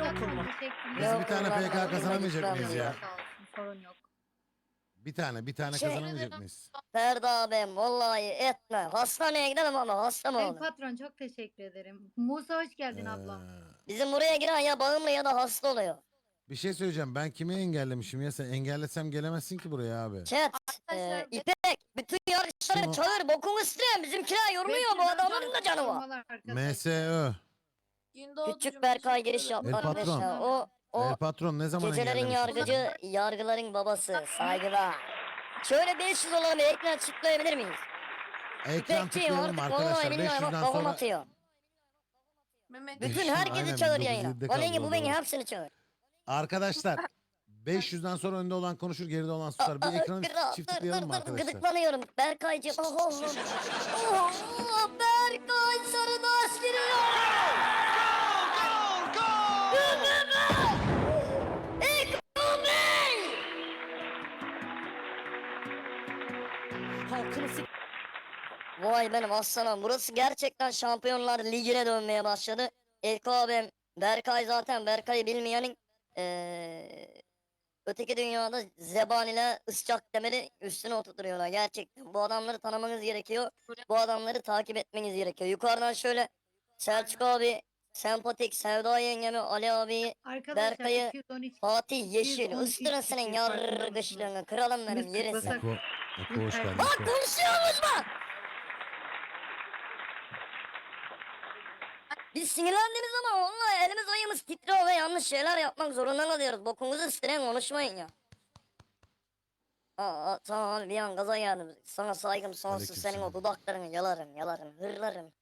atma. Biz bir tane PK kazanamayacak mıyız ya? Sağ olsun, sorun yok. Bir tane Şey- kazanamayacak mıyız? Ferdi abim vallahi etme. Hastaneye gidelim ama hasta mı El oğlum? patron çok teşekkür ederim. Musa hoş geldin ablam. Bizim buraya giren ya bağımlı ya da hasta oluyor. Bir şey söyleyeceğim. Ben kimi engellemişim ya? Sen engellesem gelemezsin ki buraya abi. Chat, İpek, bütün yarışları Kim o? çağır, bokunu isteyen bizimkiler yormuyor, bu adamların da canı var. MSÖ. Küçük Berkay giriş yaptı El patron. arkadaşlar. O El patron ne zaman gecelerin engellemişim? yargıcı, yargıların babası, saygılar. Şöyle 500 olan bir ekran çıtlayabilir miyiz? Ekran İpekçiyim tıklayalım artık arkadaşlar. vallahi billahi bak 500'den kafam sonra. atıyor. Mehmet. Bütün Aynen, herkesi çağır 1907'de yayına. kaldı Bana bu o beni zaman. hepsini çağır. Arkadaşlar 500'den sonra önde olan konuşur, geride olan susar. Bir ekranı Kral, çift tıklayalım arkadaşlar. gıdıklanıyorum. Berkaycığım. Oh, Berkay Sarıdaş giriyor. Vay benim aslanım. Burası gerçekten Şampiyonlar Ligi'ne dönmeye başladı. Elko abim, Berkay zaten Berkay'ı bilmeyenin öteki dünyada zebaniyle ıscak demiri üstüne oturtuyorlar gerçekten. Bu adamları tanımanız gerekiyor. Bu adamları takip etmeniz gerekiyor. Yukarıdan şöyle Selçuk abi, Sempatik, Sevda yengemi, Ali abi, Arkadaşlar Berkay'ı, 213 Fatih Yeşil, 213 ıstırın senin kişi farkında yargıçlığını, kralım benim Biz yerisin. kutlasak- Eko hoş geldin. Bak Eko. konuşuyoruz bak. Biz sinirlendiğimiz zaman onunla elimiz ayımız titriyor ve yanlış şeyler yapmak zorunda kalıyoruz. Bokunuzu isteyen konuşmayın ya. Tamam abi bir an gaza geldim. Sana saygım sonsuz, senin o Aleykümselam. dudaklarını yalarım, hırlarım.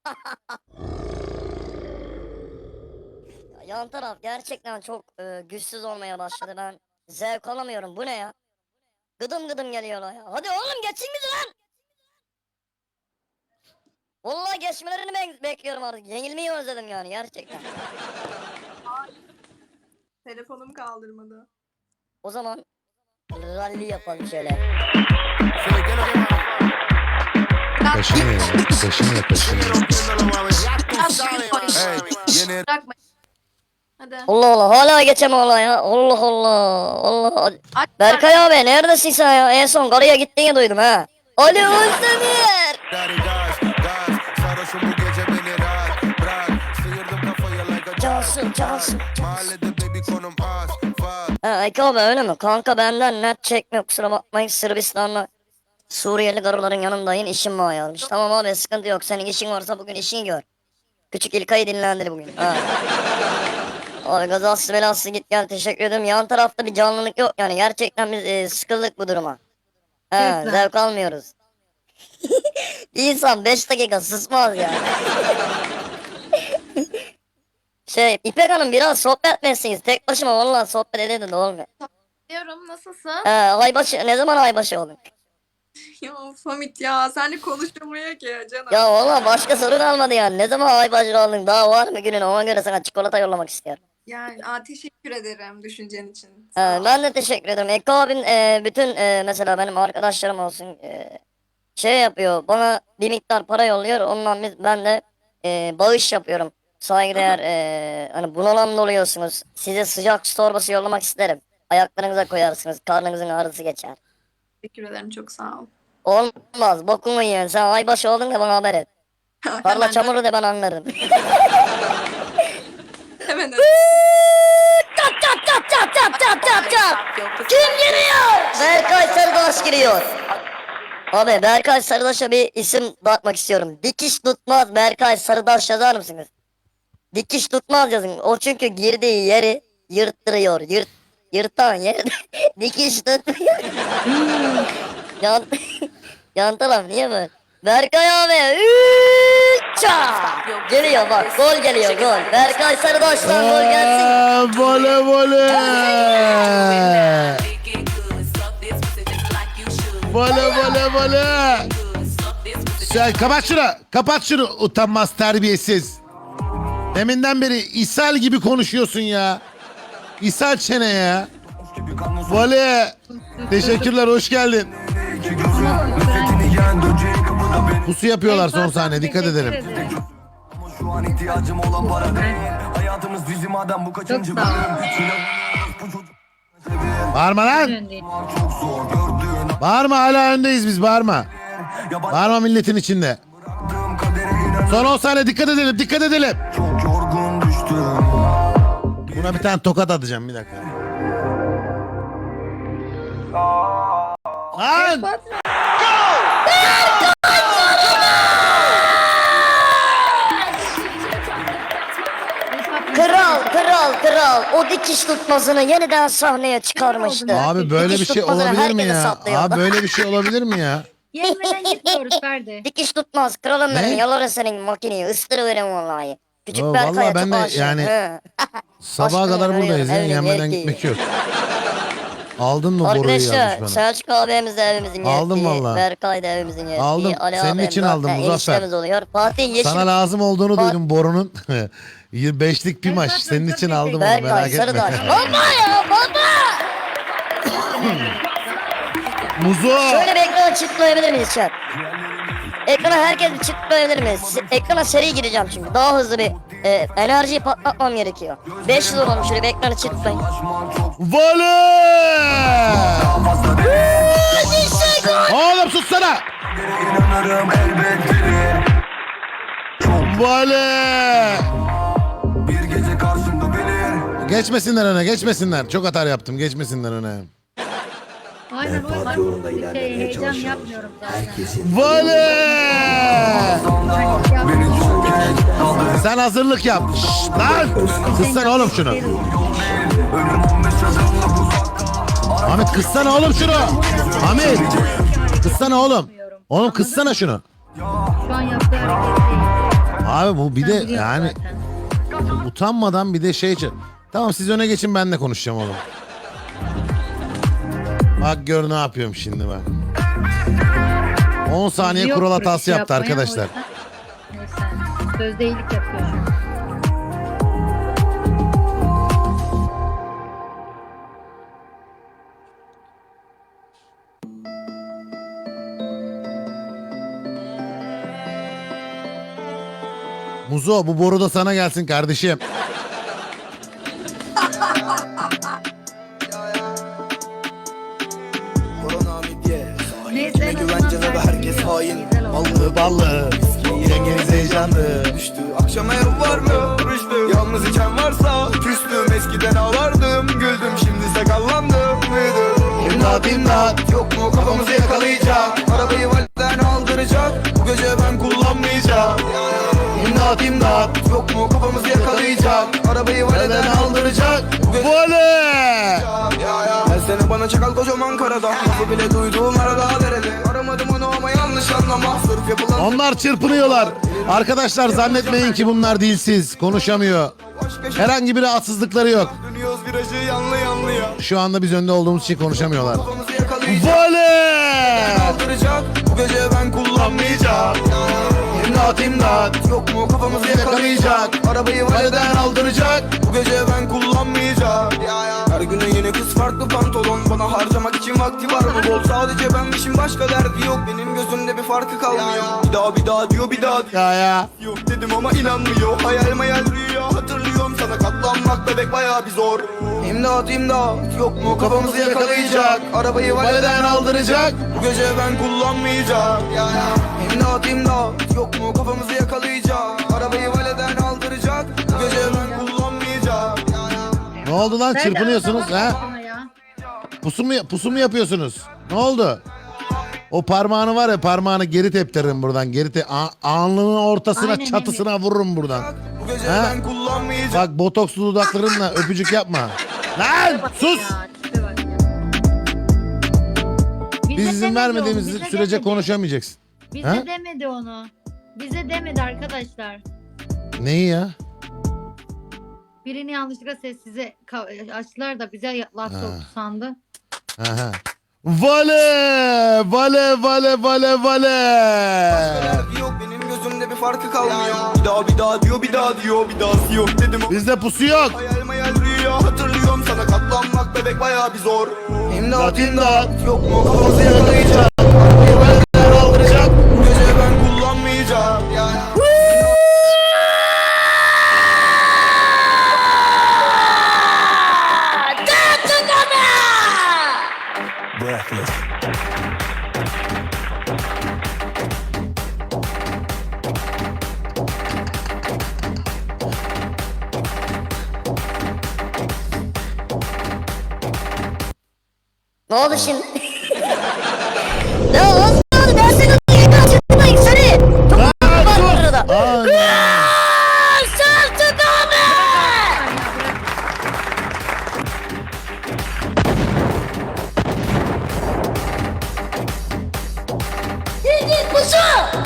Yan taraf gerçekten çok güçsüz olmaya başladı, ben zevk alamıyorum, bu ne ya? Gıdım gıdım geliyorlar ya. Hadi oğlum geçin bizi lan! Vallahi geçmelerini bekliyorum artık. Yenilmeyi özledim yani gerçekten. Telefonum kaldırmadı. O zaman rally yapalım şöyle. Kaşını ya. Kaşını. Bırakma. Hadi. Allah Allah hala geçeme ola ya. Allah Allah. Allah. Aç. Berkay abi neredesin sen ya? En son karıya gittiğini duydum ha. Ali Özdemir. Sarhoşum bu gece beni rahat bırak. Sıyırdım kafayı like a Cansın. Mahallede baby konum az faz. Ha Eki abi öyle mi? Kanka benden net çekmiyor, kusura bakmayın. Sırbistan'la Suriyeli karıların yanındayım, işim var yazmış. Tamam abi sıkıntı yok, senin işin varsa bugün işini gör. Küçük İlkay'ı dinlendir bugün. Ha. Abi gazası belası git gel, teşekkür ederim. Yan tarafta bir canlılık yok yani, gerçekten biz sıkıldık bu duruma. He, Lütfen. zevk almıyoruz. Bir insan 5 dakika susmaz ya. İpek Hanım biraz sohbet etsiniz. Tek başıma vallahi sohbet ededin de olmuyor. Diyorum nasılsın? Aybaşı ne zaman aybaşı olun? Ya Famit ya seninle konuşamıyor ki ya canım. Ya vallahi başka sorun kalmadı yani. Ne zaman aybaşı oldun? Daha var mı günün? Ona göre sana çikolata yollamak istiyorum. Yani teşekkür ederim düşüncen için. Ben de teşekkür ederim. Eko abin bütün mesela benim arkadaşlarım olsun yapıyor. Bana bir miktar para yolluyor. Ondan ben de bağış yapıyorum. Saygıdeğer hani bunalanma oluyorsunuz. Size sıcak su torbası yollamak isterim. Ayaklarınıza koyarsınız. Karnınızın ağrısı geçer. Teşekkür ederim çok sağ ol. Olmaz. Bokunu yiyen. Sen aybaşı oldun da bana haber et. Parla Hemen- çamuru de ben anlarım. Hemen Çat çat çat çat çat çat çat çat. Kim giriyor? Berkay Sarıdaş giriyor. Abi Berkay Sarıdaş'a bir isim dağıtmak istiyorum. Dikiş tutmaz Berkay Sarıdaş yazar mısınız? Dikiş tutmaz yazın. O çünkü girdiği yeri yırttırıyor. Yırtan yeri dikiş tutmuyor. Yan taraf niye böyle? Berkay abi. Geliyor bak, gol geliyor, gol. Berkay Sarıdaş'tan gol gelsin. Vole. Vole. Sen kapat şunu utanmaz terbiyesiz. Deminden beri ishal gibi konuşuyorsun ya. İshal çene ya. Vole. Teşekkürler, hoş geldin. Pusu yapıyorlar son sahne, dikkat Teşekkür edelim. ederim. Şu an ihtiyacım olan para değil. Hayatımız dizi madem bu kaçıncı Çok sağ ol. Bağırma lan. Öndeyim. Çok zor gördüğün Bağırma, hala öndeyiz biz, bağırma. Bağırma milletin içinde. Son 10 saniye, dikkat edelim, dikkat edelim. çok yorgun düştüm. Buna bir tane tokat atacağım, bir dakika. Lan! Kral o dikiş tutmasını yeniden sahneye çıkarmıştı. Abi böyle bir Dikiş şey tutmasını olabilir mi herkese ya? saplıyordu. Abi böyle bir şey olabilir mi ya? Yenmeden gitmiyoruz Ferdi. Dikiş tutmaz kralım Ne? benim, yalarım senin makineyi, ıstırıverim vallahi. Küçük Yo, Berkay'a vallahi ben çok de aşığım. yani- He. Sabaha Aşkım kadar buradayız ya, arıyorum, yenmeden evliliği. gitmek yok. Aldın mı boruyu yazmış Arkadaşlar bana? Selçuk abimiz de evimizin yettiği. Aldım vallahi. Berkay da evimizin yettiği. Aldım. Ali Senin abim için de aldım, Muzaffer. eniştemiz oluyor. Fatih Yeşil. Sana lazım olduğunu Bak- duydum borunun. 5'lik pimaş. Zaten Senin çok için aldım onu, Berkay merak etme. Sarıdaş. Baba ya baba. Muzo! Şöyle bir ekrana çıtlayabilir miyiz chat? Ekrana herkes bir çıtlayabilir miyiz? Ekrana seri gireceğim çünkü. Daha hızlı bir enerjiyi patlatmam gerekiyor. 500 olalım, şöyle bir ekranı çıtlayın. Vale! Oğlum sussana! İnanırım elbet biri. Vale! Bir gece karşımda bilir. Geçmesinler öne, geçmesinler. Çok hata yaptım, geçmesinler öne. Aynen o yüzden heyecan yapmıyorum zaten. Vale! Beni çok geç kaldı. Sen hazırlık yap. Şşt, lan! Kıssana oğlum şunu. Ölüm 15 adımlık uzakta. Ahmet kıssana oğlum şunu. Ahmet! Kıssana oğlum. Oğlum kıssana şunu. Şu an yaptığı hareket değil. Abi bu bir Sen de biliyorsun yani zaten. utanmadan bir de şey... Tamam siz öne geçin, ben de konuşacağım oğlum. Bak gör ne yapıyorum şimdi bak. 10 saniye Yok kural böyle bir hatası şey yaptı yapmaya, arkadaşlar. o yüzden- Neyse. Sözde iyilik yapıyor şu an. Muzo bu boru da sana gelsin kardeşim. Neyse güvencede ve herkes hain. Ballı ballı. Yengeniz heyecanlı. Düştü akşama ev var mı? Rüştü yalnız içen varsa küstüm. Eskiden ağlardım güldüm, şimdi sakallandım. İmdat imdat. Yok mu kafamızı yakalayacak? Arabayı validen aldıracak. Bu gece ben kullanmayacağım. İmdat imdat. Yok mu kafamızı yakalayacak? Arabayı validen aldıracak. Bu gece Vale! her sene bana çakal kocaman karada. Lafı bile duyduğum arada derede. Aramadım onu ama yanlış anlama. Sırf yapılan Onlar çırpınıyorlar. Arkadaşlar zannetmeyin ki bunlar dilsiz, konuşamıyor. başka şey. Herhangi bir rahatsızlıkları yok. Dönüyoruz virajı yanlı yanlıya. Şu anda biz önde olduğumuz için konuşamıyorlar. Kafamızı yakalayacak. Vale! Aldıracak. Bu gece ben kullanmayacağım. İmdat imdat. Yok mu kafamızı yakalayacak? Arabayı validen aldıracak. Bu gece ben kullanmayacağım. Her güne yeni kız farklı pantolon. Bana harcamak için vakti var mı bol? Sadece benmişim, başka derdi yok. Benim gözümde bir farkı kalmıyor. Bir daha diyor, bir daha diyor. Ya. Yok dedim ama inanmıyor. Hayal mayal rüya hatırlıyorum. Sana katlanmak bebek bayağı bir zor. İmdat imdat. Yok mu kafamızı yakalayacak? Arabayı validen aldıracak. Bu gece ben kullanmayacağım. İmdat imdat. Yok mu kafamızı yakalayacak? Arabayı validen aldıracak. Bu gece ben kullanmayacağım. Ne oldu lan, Ferdi, çırpınıyorsunuz anlamadım ha? sana ya. Pusu mu yapıyorsunuz? Ne oldu? O parmağını var ya, parmağını geri teptiririm buradan. Alnının ortasına, Aynen çatısına vururum buradan. Bu gece Ha? ben kullanmayacağım. Bak botokslu dudaklarınla öpücük yapma. Lan sus! Ya, tipe bak ya. Biz Bize izin demedi vermediğimiz onu, bize sürece demedi. konuşamayacaksın. Bize Ha? demedi onu. Bize demedi arkadaşlar. Neyi ya? Birini yanlışlıkla sessize açtılar da bize laf soktu sandı. Aha. Vale! Vale vale vale vale! Derdi yok, benim gözümde bir farkı kalmıyor. Bir daha diyor, bir daha yok dedim. Bizde pusu yok. Hayal mayal rüya hatırlıyorum. Sana katlanmak bebek bayağı bir zor. İmdat imdat. Yok mu kafamızı yakalayacak? Arabayı validen aldıracak. Bu gece ben kullanmayacağım. Ne oldu şimdi? Ya az kaldı ben seni kaçırmayayım seni. Çok var burada. Selçuk abi! Git pusu!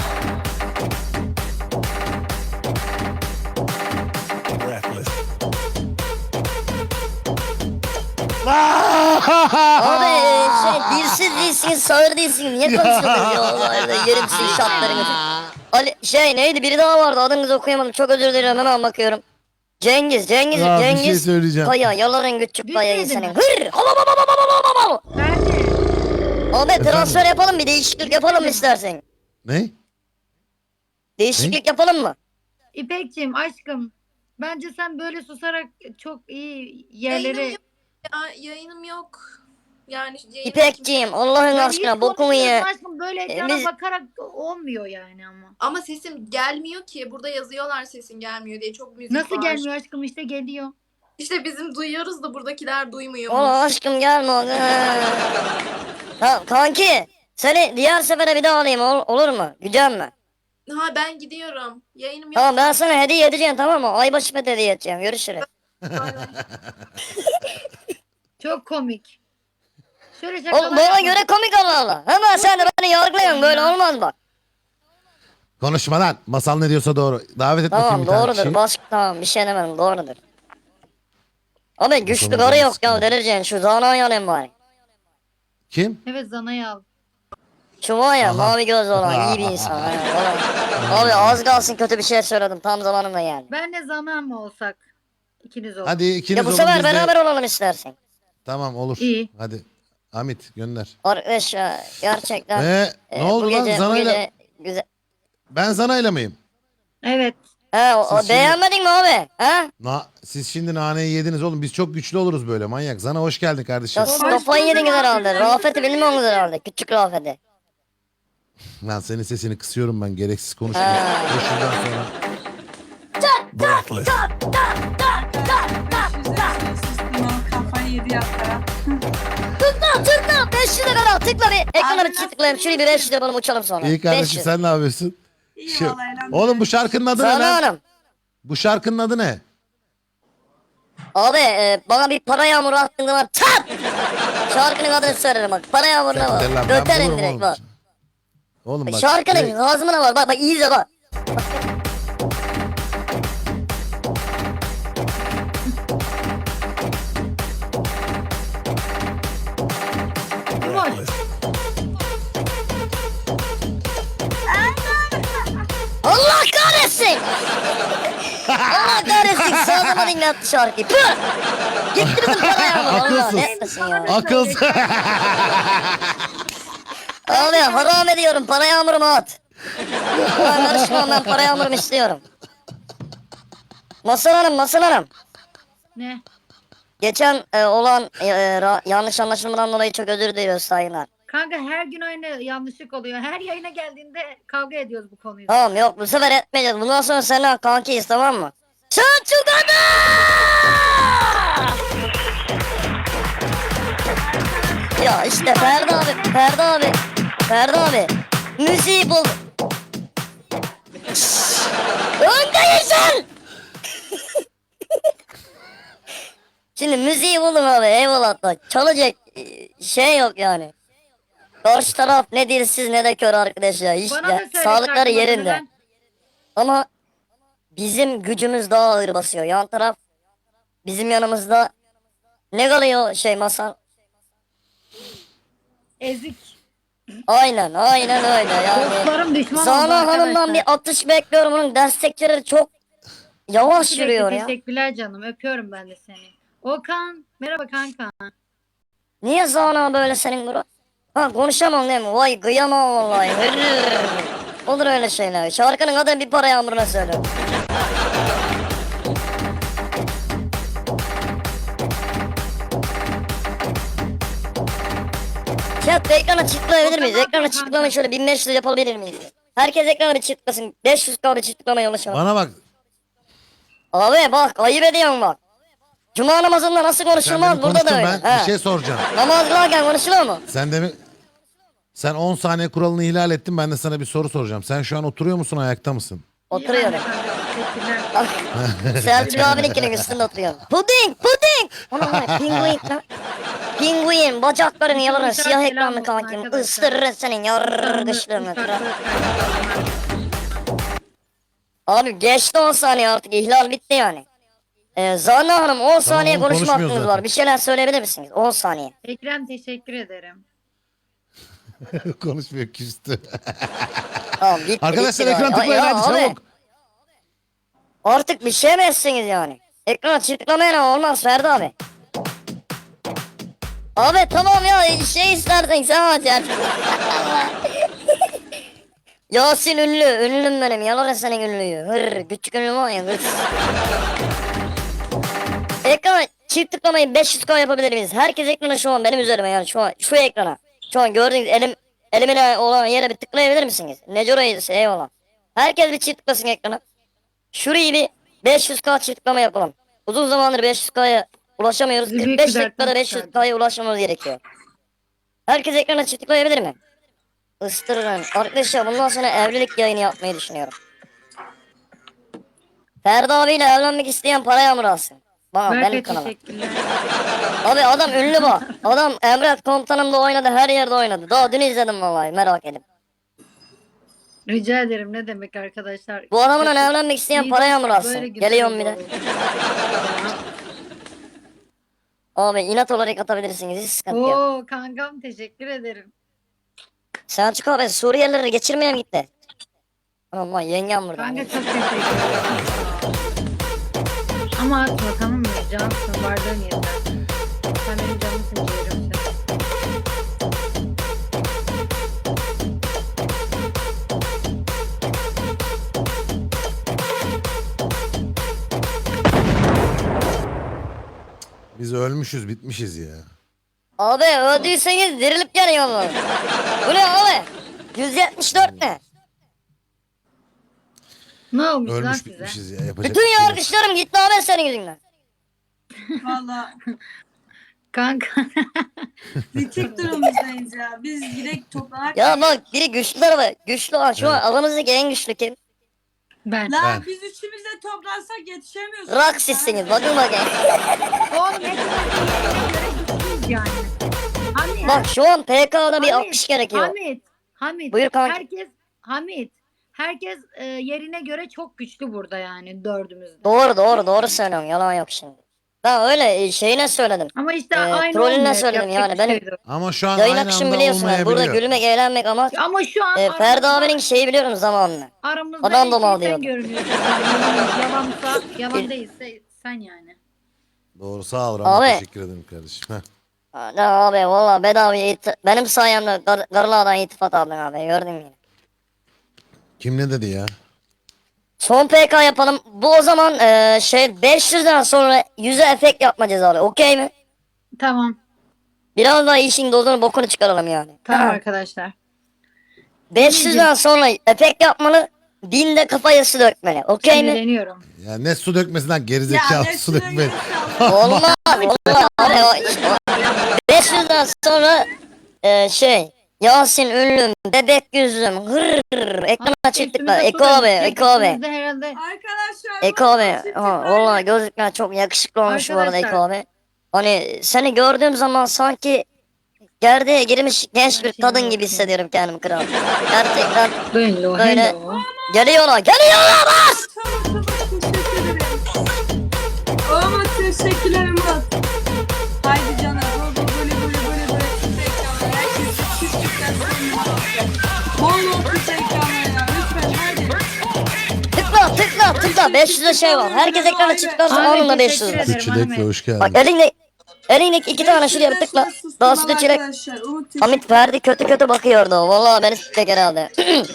Abi dilsiz değilsin, sağır değilsin. Niye konuşuyorsunuz ya Allah'ım? Yerim sizin şartlarınızı. Ali neydi biri daha vardı adınızı okuyamadım. Çok özür dilerim hemen bakıyorum. Cengiz. Ya bir şey Cengiz. söyleyeceğim. Kaya yaların küçük kayayı Düşmedi senin. mi? Hır! Nerede? Abi transfer yapalım bir değişiklik yapalım mı istersen? Ne? Değişiklik yapalım mı? İpekciğim aşkım. Bence sen böyle susarak çok iyi Yayınım yerlere... yok. Yayınım yok. Yani İpekciğim Allah'ın Ya aşkına iyi bokumu ye. konuşuyorsun aşkım böyle ekrana biz- bakarak olmuyor yani ama. Ama sesim gelmiyor ki. Burada yazıyorlar sesin gelmiyor diye. Çok müzik Nasıl var. gelmiyor aşkım işte geliyor. İşte bizim duyuyoruz da buradakiler duymuyor. Oğlum aşkım gelme. Ha, kanki seni diğer sefere bir daha alayım olur mu? Güzel mi? Ha ben gidiyorum. Yayınım yok. Tamam ben sana hediye edeceğim tamam mı? Aybaşı hediye edeceğim. Görüşürüz. Bay bay. Çok komik. Şöyle Oğlum şakalar bana yapalım. göre komik Allah Allah. Hemen sen de beni yargılıyorsun böyle olmaz bak. Konuşma lan. Masal ne diyorsa doğru. Davet et bakayım Tamam bir tane doğrudur. kişiyi. Baş tamam bir şey demedim doğrudur. Ama güçlü Bakalım karı canım, yok ya sıkıntı. delireceğin şu zanayı alayım bari. Kim? Evet Zana'yı al. Şu var ya Aha. mavi göz olan iyi bir insan. aynen, olan. Abi az kalsın kötü bir şey söyledim tam zamanında yani. Ben de Zana mı olsak? İkiniz olun. Hadi ikiniz Ya bu olun sefer biz de- beraber olalım istersen. Tamam olur. İyi. Hadi. Hamit gönder. Arkadaş ya gerçekten. Ne oldu bu lan gece, bu Zana'yla? gece güzel. Ben Zana'yla mıyım? Evet. He Siz şimdi- beğenmedin mi abi? He? Siz şimdi naneyi yediniz oğlum. Biz çok güçlü oluruz böyle manyak. Zana hoş geldin kardeşim. Ya siz kafayı yediniz herhalde. Rafet'i bilmiyorsunuz herhalde. Küçük Rafet'i. Lan senin sesini kısıyorum ben. Gereksiz konuşma. Dur şuradan sonra. Kafayı yedi yaptılar. Tıkla 500 lira tıkla bir. Ekrana bir tıklayayım. Şurayı bir 500 yapalım uçalım sonra. İyi kardeşim 500. sen ne yapıyorsun? İyi Şey- vallahi elhamdülillah. Oğlum bu şarkının adı ne Sana lan? hanım. Bu şarkının adı ne? Abi bana bir para yağmuru attığın zaman tap! Şarkının adını söylerim bak. Para yağmuruna Sen de lan, bak. ben Öterim bulurum direkt oğlum. bak. Oğlum bak. Şarkının ağzımına var. Bak iyi izle bak. Boş. Allah kahretsin! Allah kahretsin! Sağlama dinletti şarkıyı. Püh! Gittirdin para yağmuru. Allah Akılsız. ne etmesin ya. Akıl. Abi haram ediyorum para yağmurumu at. Ben karışmam ben para yağmurumu istiyorum. Masal Hanım. Ne? Geçen olan yanlış anlaşılmadan dolayı çok özür diliyoruz sayınlar. Kanka her gün aynı yanlışlık oluyor. Her yayına geldiğinde kavga ediyoruz bu konuyu. Tamam yok bu sefer etmeyeceğiz. Bundan sonra seninle kankiyiz tamam mı? Selçuk Ada! Ya işte Ferdi abi. Müziği bul. Öndeyiz sen! Şimdi müziği buldum abi eyvallah da çalacak şey yok yani. Karşı taraf ne dilsiz ne de kör arkadaş ya. Hiç Bana da söyle sağlıkları şarkılarını yerinde. ben- Ama bizim gücümüz daha ağır basıyor. Yan taraf bizim yanımızda ne kalıyor şey masal? Ezik. Aynen öyle yani. Dostlarım düşman oldu Zana Hanım'dan arkadaşlar. bir atış bekliyorum. Onun destekçileri çok yavaş Sürekli yürüyor ya. Teşekkürler canım. Öpüyorum ben de seni. Okan. Merhaba kanka. Niye Zana böyle senin bro? Ha konuşamam değil mi? Vay kıyamam vallahi. Hırr. Olur öyle şeyler. Şarkının adını bir para yağmuruna söyle. Chat ekrana çıtlayabilir miyiz? Ekrana çıtlamayı şöyle 1500 yapabilir miyiz? Herkes ekrana bir çıtlasın. 500 kaldı çıtlamayı ulaşalım. Bana bak. Abi bak ayıp ediyorsun bak. Cuma namazında nasıl Sen konuşulmaz demin burada da konuştun, öyle. ben He. bir şey soracağım. Namaz kılarken konuşuluyor mu? Sen 10 saniye kuralını ihlal ettin. Ben de sana bir soru soracağım. Sen şu an oturuyor musun, ayakta mısın? Oturuyorum. Teşekkürler. Selçuk abininkinin üstünde oturuyorum. Puding! Ona var pinguin lan. Pinguin bacakların yalanır Arkadaşlar, siyah selam ekranlı olsun kankim. arkadaşlar. Isırır senin yargıçlığını. Abi geçti 10 saniye artık ihlal bitti yani. Zana Hanım 10 saniye oğlum, konuşma konuşmuyor hakkınız zaten. var. Bir şeyler söyleyebilir misiniz? 10 saniye. Ekrem teşekkür ederim. Konuşmuyor, küstü. Tamam bitti. Arkadaşlar bitti ekran galiba. tıklayın Ya hadi abi, çabuk. artık bir şey mi etsiniz yani? Ekrana tıklamayana olmaz Ferdi abi. Abi tamam ya şey istersen sen aç ya. Yasin ünlüm benim yalar senin ünlüyü. Hır küçük ünlü var ya hırs. Ekrana çift tıklamayı 500k yapabilir miyiz? Herkes ekrana şu an benim üzerime yani şu ekrana. Şu an gördüğünüz elimin olan yere bir tıklayabilir misiniz? Necora'yı eyvallah. Herkes bir çift tıklasın ekrana. Şurayı bir 500k çift tıklama yapalım. Uzun zamandır 500k'ya ulaşamıyoruz. Bizi büyük 45 bir dakikada dertten 500k'ya ulaşmamız gerekiyor. Herkes ekrana çift tıklayabilir mi? Istırırım. Arkadaşlar bundan sonra evlilik yayını yapmayı düşünüyorum. Ferdi abiyle evlenmek isteyen para yağmur alsın. Bana benim Berkay kanalıma. teşekkürler. Abi adam ünlü bak. Adam Emret Komutanım'da oynadı, her yerde oynadı. Daha dün izledim vallahi merak edip. Rica ederim ne demek arkadaşlar. Bu adamla evlenmek isteyen İyi para dostlar, yağmur böyle alsın. güzel Geliyorum bir de. olur. Abi inat olarak atabilirsiniz, hiç sıkıntı yok. Oo kankam teşekkür ederim. Selçuk abi Suriyelileri geçirmeye mi gitti? Aman yengem burada. Kanka çok teşekkür ederim. Ama atma tamam mı? Cansın vardığın yeter. Sen benim canımsın ciğerimsin. Biz ölmüşüz, bitmişiz ya. Abi öldüyseniz dirilip geliyor mu? Bu ne abi? 174 ne? Ne olmuş lan Ölmüş size? bitmişiz ya. Yapacak bir Bütün şey yok. yargıçlarım gitti abi senin yüzünden. Valla Kanka. bitik durumumuzdayız ya. Biz direkt toplanak. Ya bak biri güçlü tarafı. Güçlü olan şu an Evet. aramızdaki en güçlü kim? Ben. Lan Ben. biz üçümüz de toplansak yetişemiyoruz. Raksizsiniz bakın bakayım. Oğlum hepimiz yani. Hamit. Bak şu an PK'da bir Hamit, 60 gerekiyor. Hamit. Buyur kanka. Herkes yerine göre çok güçlü burada yani dördümüzde. Doğru söylüyorum yalan yok şimdi. Ben öyle şeyine söyledim. Ama işte Trolüne aynı olmuyor. söyledim Yapacak yani, bir benim- şey yok. Ama şu an Yayın aynı akışını anda biliyorsunuz. Burada olmayabiliyor. gülmek eğlenmek ama Ama şu an Ferdi aramızda- abinin şeyi biliyorum zamanını. aramızda Adam en domal şey sen diyordu. görünüyorsun. Yalansa yalan değilse sen yani. Doğru, sağ ol Rahman, Abi. teşekkür ederim kardeşim. Heh. Ne abi valla bedava benim sayemde karılardan itifat aldın abi gördün mü? Kim ne dedi ya? Son PK yapalım. Bu o zaman 500'den sonra 100'e efekt yapmayacağız abi. Okey mi? Tamam. Biraz daha işin dozunu bokunu çıkaralım yani. Tamam arkadaşlar. 500'den sonra efekt yapmalı. 1000'de kafaya su dökmeli. Okey Şimdi mi? deniyorum. Ya ne su dökmesinden Ya gerizekalı ne su dökme. Olmaz. Olmaz. Abi, 500'den sonra Yasin ünlüm, bebek yüzüm, hır, ekrana çıktıklar. Eko abi. Üstümüzde herhalde. Arkadaşlar. Eko bu abi. çift Valla var. gözlükler çok yakışıklı olmuş bu arada Arkadaşlar. Eko abi. Hani seni gördüğüm zaman sanki gerdeğe girmiş genç bir kadın gibi hissediyorum kendimi kral. Gerçekten Hello, Böyle- hello. geliyorlar bas! Tamam teşekkür ederim. Ama teşekkürler Murat. Haydi canım. Böyle. Herkes çiftlikten bol küçük ekranlar ya. Lütfen hadi. Tıkla 500'e şey var. Herkes ekrana çıkarsa Ahmet, onun da teşekkür 500 var. ederim. Çilekle hoş Bak geldin. elindeki iki tane şuraya bir tıkla. Daha sütü çilek. Arkadaşlar, Umut Hamit Ferdi kötü bakıyordu. Vallahi beni sikecek herhalde.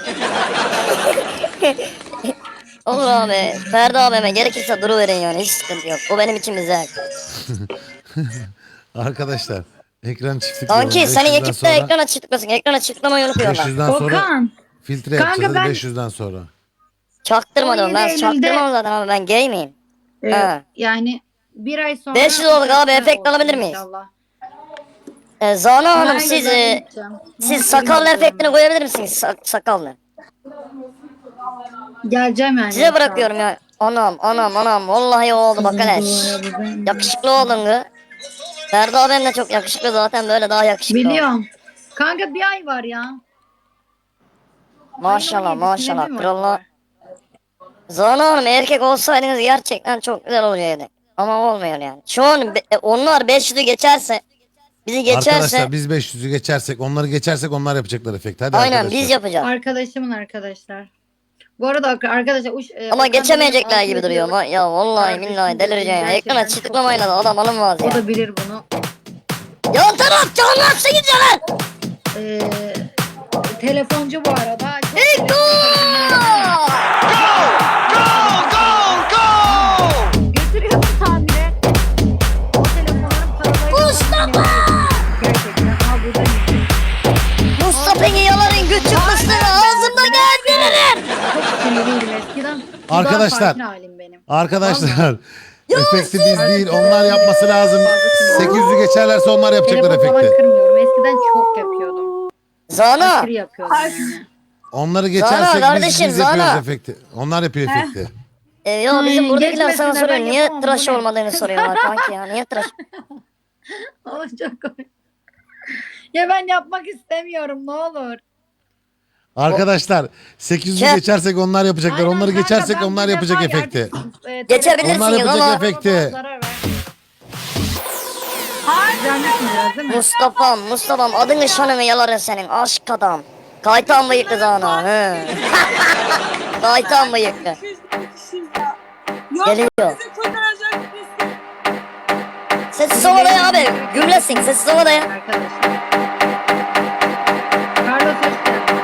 Olur abi. Ferdi abime gerekirse duruverin yani. Hiç sıkıntı yok. O benim için güzel. Arkadaşlar ekran çiftlik. Kanki senin ekipte ekrana çıkmasın. Ekrana çıkmamayı unutuyorlar. 500'den sonra Okan. filtre Kanka yapacağız ben- 500'den sonra. Çaktırmadım. Ben 17 Eylül'de- çaktırmam zaten ama ben gay miyim? Ha. Yani Bir ay sonra. 500 olduk abi, efekt olsun alabilir miyiz? inşallah. Zana Hanım Aynen, siz ben gideceğim. siz sakallı efektini koyabilir misiniz? Sakallı. Geleceğim yani. Size bırakıyorum ya. Anam vallahi oldu bak hele. Yakışıklı oldun kız. Ferdi abim de çok yakışıklı zaten, böyle daha yakışıklı. Biliyorum. Kanka bir ay var ya. Maşallah Ayın maşallah 17'sinde mi krallah. var? Zana Hanım erkek olsaydınız gerçekten çok güzel olacaktı. Ama olmuyor yani. Şu an onlar 500'ü geçerse, bizi geçerse Arkadaşlar biz 500'ü geçersek, onları geçersek onlar yapacaklar efekti. Hadi aynen arkadaşlar. biz yapacağız. Arkadaşımın arkadaşlar. Bu arada arkadaşlar Ama Okan geçemeyecekler benim gibi altı duruyor. yıllık- Ya vallahi Kardeşim, billahi delireceğim ya. gerçekten Ekrana çok- çıtıklamayla da adam alınmaz O ya. da bilir bunu. Yan taraf canlarsın gidiyor lan. Telefoncu bu arada. Çok Eko! Götürüyorsun tamire. O telefonların paraları. Mustafa! Gerçekten. Aa buradayım. Mustafa'nın yaların küçük mısırı ağzımda gezdiririm. Çok sinirliydim eskiden. Arkadaşlar. Sakin halim benim. Arkadaşlar efekti biz değil, onlar yapması lazım. 800'ü geçerlerse onlar yapacaklar Telefon falan efekti. kırmıyorum. Eskiden çok yapıyordum. Zana Aşırı yapıyordum yani. Onları geçersek biz kardeşim, yapıyoruz Zana. efekti. Onlar yapıyor efekti. ya bizim buradakiler sana geçmesinler, soruyor. ben Niye yapamam, tıraş bu ne? olmadığını soruyorlar kanki ya. Niye tıraş? Ama çok komik. Ya ben yapmak istemiyorum ne olur. Arkadaşlar 800'ü Çek. geçersek onlar yapacaklar. Aynen Onları kanka, geçersek ben onlar bu yapacak defa efekti. geldim. Geçebilirsiniz Onlar yapacak ama- efekti. Zarar ver. Güzelmişsin biraz değil mi? Mustafa'm adını şanını yalarım senin aşk adam. Kaytan bıyıklı Zana. He. Kaytan bıyıklı. Yok Geliyor. bizi kurtaracak birisi. Sessiz ol odaya abi. Gümlesin sessiz ol odaya. Arkadaşlar. Carlos hoş geldin.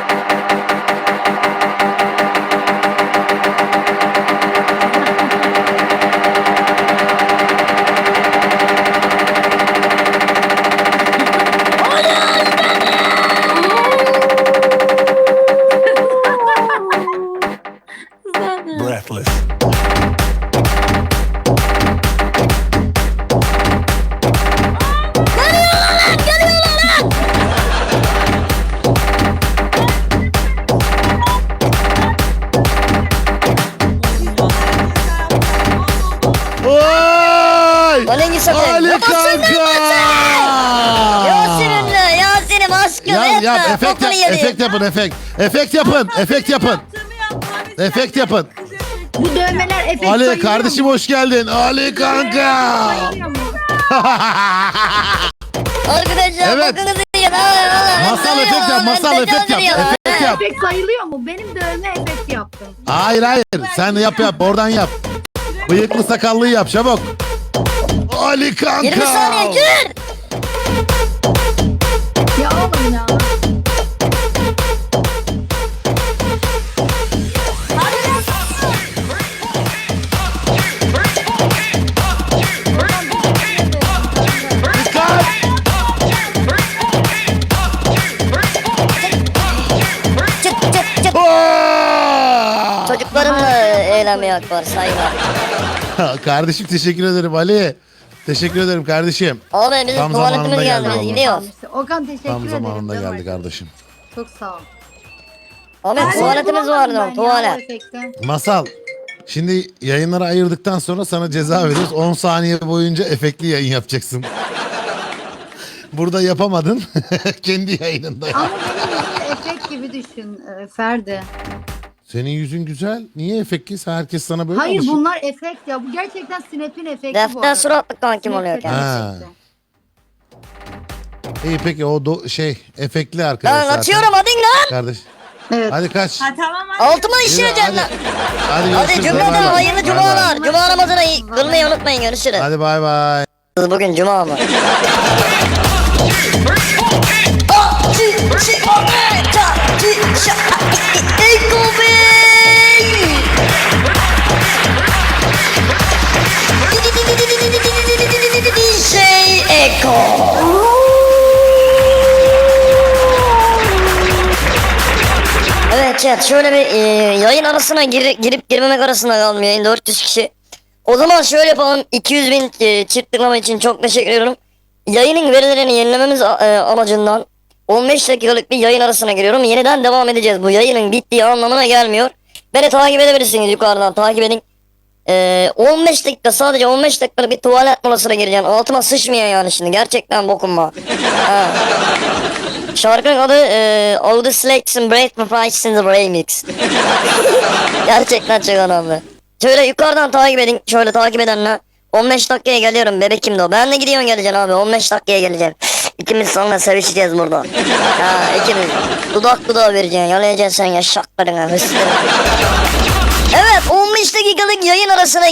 Breathless. Oy! Aleng'i satayım. Ali Babasın kanka! Yasin'im aşkım. Yap yap etme, efekt bokunu yap, yedi. efekt yapın efekt. Efekt yapın, efekt yapın. Yaptığımı yapma. Efekt yapın. Bu dövmeler efekt Ali sayılıyor kardeşim mu? hoş geldin. Ali kanka. Sayılıyor mu? Arkadaşlar Evet. bokunuzu yiyin. Aa, Masal efekt yap, masal efekt yap. Efekt yap. Efekt sayılıyor mu? Benim dövme efekt yaptım. Hayır hayır. Sen yap oradan yap. Bıyıklı sakallıyı yap çabuk. Ali kanka. 20 saniye gir. Ya oğlum ya. Dikkat. Çıt çıt çıt. Oo! Çocuklarımla eğlenmeye var sayılar. Kardeşim teşekkür ederim Ali. Teşekkür ederim kardeşim. Abi bizim Tam tuvaletimiz zamanında geldi. geldi Biz vallahi. gidiyoruz. Okan teşekkür Tam ederim. zamanında canım geldi arkadaşım. kardeşim. Çok sağ ol. Abi Ben tuvaletimiz bulamadım ben vardı. ya o Tuvalet. efekti. Masal. Şimdi yayınları ayırdıktan sonra sana ceza veriyoruz. 10 saniye boyunca efektli yayın yapacaksın. Burada yapamadın. Kendi yayınında yap. Ama benim yüzüm efekt gibi düşün Ferdi. Senin yüzün güzel. Niye efektli? Herkes sana böyle Hayır alışık. bunlar efekt ya. Bu gerçekten Snap'in efekti bu Defter arada. suratlı kankim Snap oluyor efekti. kendisi. Ha. İyi peki o efektli arkadaş Lan zaten. atıyorum hadi lan. Kardeş. Evet. Hadi kaç. Ha tamam hadi. Altıma işleyeceğim Hadi. lan. Hadi Hadi görüşürüz. cümleden Bay bay. hayırlı Bay bay. cumalar. Cuma namazını kılmayı unutmayın. Görüşürüz. Hadi bay bay. Bugün cuma mı? Şey Eko. Evet chat şöyle bir yayın arasına girip girmemek arasında kalmıyor. 400 kişi O zaman şöyle yapalım. 200.000 çift tıklama için çok teşekkür ediyorum. Yayının verilerini yenilememiz amacından 15 dakikalık bir yayın arasına giriyorum. Yeniden devam edeceğiz. Bu yayının bittiği anlamına gelmiyor. Beni takip edebilirsiniz, yukarıdan takip edin. 15 dakika, sadece 15 dakikalık bir tuvalet molasına gireceğim. Altıma sıçmıyor yani şimdi. Gerçekten bokunma. Ha. Şarkının adı All the Slakes and Break My Price in the Remix. Gerçekten çok önemli. Şöyle yukarıdan takip edin. Şöyle takip edenle 15 dakikaya geliyorum, bebekim de o. Ben de gidiyorum, geleceğim abi, 15 dakikaya geleceğim. İkimiz sonra sevişeceğiz burada. Ha, ikimiz. Dudak dudağa vereceksin. Yalayacaksın sen yaşaklarına. Evet, 15 dakikalık yayın arasına